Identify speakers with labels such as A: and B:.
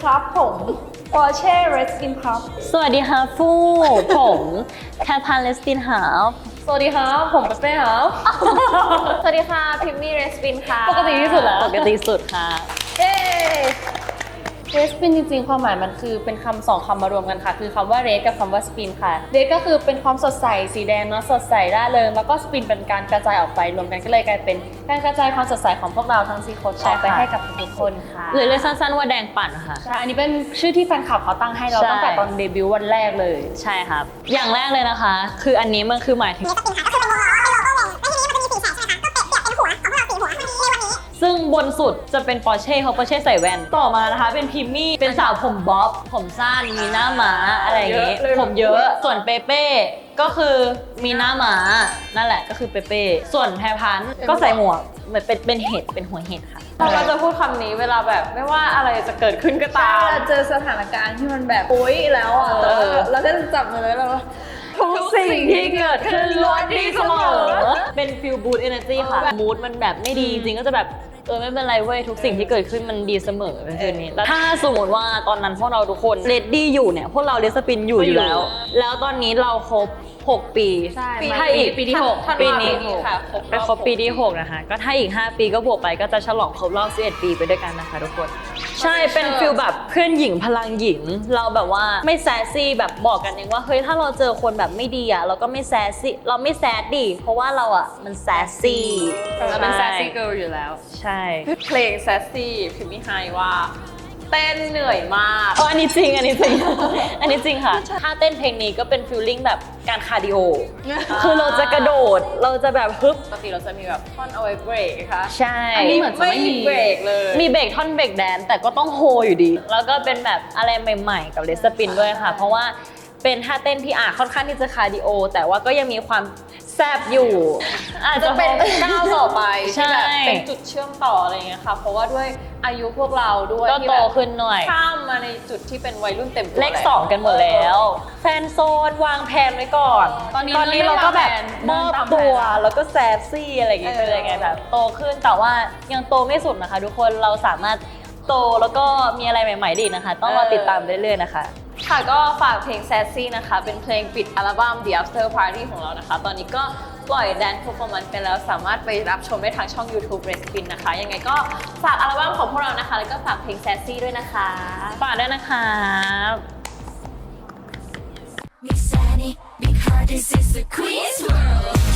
A: ครับผม Porsche Red Spin ครับ
B: สวัสดีค่ะฟู่ผมแคทพานเลสตินหาว
A: สวัสดีครับผมเป้ครับ สวัสดีค่ะพิมมี่ Red Spin ค่ะปกติที่สุดแล้ว
B: ปกติสุดค่ะ
A: เย้ Red Spin จริงๆความหมายมันคือเป็นคำสองคำมารวมกันค่ะคือคำว่า Red กับคำว่า Spin ค่ะ Red ก็คือเป็นความสดใสสีแดงเนาะสดใสร่าเริงแล้วก็ Spin เป็นการกระจายออกไปรวมกันก็เลยกลายเป็นการกระจายความสดใสของพวกเราทั้ง4คนออกไปให้กับทุกคนค่ะ
B: หรือเรียกสั้นๆว่าแดงปั่นค่ะ
A: ใช่อันนี้เป็นชื่อที่แฟนคลับเขาตั้งให้เรา
B: ใช่
A: ตั้งแต่ตอนเดบิวต์วันแรกเลย
B: ใช่ครับ อย่างแรกเลยนะคะ คืออันนี้มันคือหมายถึง ซึ่งบนสุดจะเป็นปอร์เช่เขาปอร์เช่ใส่แว่น ต่อมานะคะเป็นพิมมี่ เป็นสาวผมบ๊อบ ผมสั้น มีหน้าม้าอะไรอย่างงี้
A: เยอะเลย
B: ผมเยอะ ส่วนเปเป้ก็คือมีหน้าม้า นั่นแหละก็คือเปเป้ ส่วนแพรพันธุ์ก็ใส่หมวกเหมือนเป็นเห็ด เป็นหัวเห็ดค่ะ
A: เราก็จะพูดคำนี้เวลาแบบไม่ว่าอะไรจะเกิดขึ้นก็ตามเจอสถานการณ์ที่มันแบบปุ้ยแล้วอ่ะแต่ว่าเราก็จะจับมือแล้วเราทุกสิ่งที่เกิดขึ้นล้วนดีเสมอ
B: เป็นฟิลบูตเอเนอร์จีค่ะ มูดมันแบบไม่ดีจริงก็จะแบบไม่เป็นไรเว้ยทุกสิ่งที่เกิดขึ้นมันดีเสมอเป็นฟิลนี้แล้วถ้าสมมติว่าตอนนั้นพวกเราทุกคนเรดดี้อยู่เนี่ยพวกเราเรสปินอยู่แล้ว แล้วตอนนี้เราครบ6 ปี
A: ใช่
B: ถ้าอีก
A: ปีที่หก
B: ปีนี้
A: ค่ะ
B: ไปครบปีที่6นะคะก็ถ้าอีก5 ปีก็บวกไปก็จะฉลองครบรอบ11 ปีไปด้วยกันนะคะทุกคนใช่เป็นฟิลแบบเพื่อนหญิงพลังหญิงเราแบบว่าไม่แซสซี่แบบบอกกันเองว่าเฮ้ยถ้าเราเจอคนแบบไม่ดีอ่ะเราก็ไม่แซสซี่เราไม่แซดดิเพราะว่าเราอ่ะมันแซสซี่
A: เราเป็นแซสซี่เกิร์ลอยู่แล้ว
B: ใช่
A: เพลงแซสซี่พิมมี่ไฮว่าเต้นเหนื่อยมาก
B: อันนี้จริง อันนี้จริง อันนี้จริงค่ะ ถ้าเต้นเพลงนี้ก็เป็นฟิลลิ่งแบบการคาร์ดิโอ คือเราจะกระโดด เราจะแบบฮึบ
A: ปกติเราจะมีแบบท่อนเอาไว้เบรกนะคะ
B: ใช่
A: อันนี้เหมือนจะไม่มีเบรกเลย
B: มีเบรกท่อนเบรกแดนแต่ก็ต้องโฮอยู่ดี แล้วก็เป็นแบบอะไรใหม่ๆ กับเลสปินด้วยค่ะ เพราะว่าเป็นท่าเต้นที่ค่อนข้างที่จะคาร์ดิโอ แต่ว่าก็ยังมีความแซบอยู่ อาจ
A: จะ
B: จะ
A: เป็นก้าวต่อไป
B: ใช่
A: ที่แบบเป็นจุดเชื่อมต่ออะไรอย่างเงี้ยค่ะ เพราะว่าด้วยอายุพวกเราด้วย
B: ก็
A: ที่
B: โต
A: แบบ
B: ขึ้นหน่อย
A: ข้ามมาในจุดที่เป็นวัยรุ่นเต็มตัว
B: เลข 2 กันหมดแล้ว แฟนโซนวางแผนไว้ก่อน
A: ตอนนี้
B: เราก็แบบม
A: เดิ
B: อน บ
A: ตามแผน
B: ตัวแล้วก็แซบซี่อะไรอย่างเงี้ยเป็นยังไงแบบโตขึ้นแต่ว่ายังโตไม่สุดนะคะทุกคนเราสามารถโตแล้วก็มีอะไรใหม่ๆได้อีกนะคะ ต้องรอติดตามเรื่อยๆนะคะ
A: ค่ะก็ฝากเพลง Sassy นะคะ เป็นเพลงปิดอัลบั้ม The After Party ของเรานะคะ ตอนนี้ก็ปล่อย Dance Performance ไปแล้วสามารถไปรับชมได้ทางช่อง YouTube Red Spin นะคะ ยังไงก็ฝากอัลบั้มของพวกเรานะคะ แล้วก็ฝากเพลง Sassy ด้วยนะคะ
B: ฝากด้วยนะคะ
C: Mix Annie, big heart, this is the Queen's World.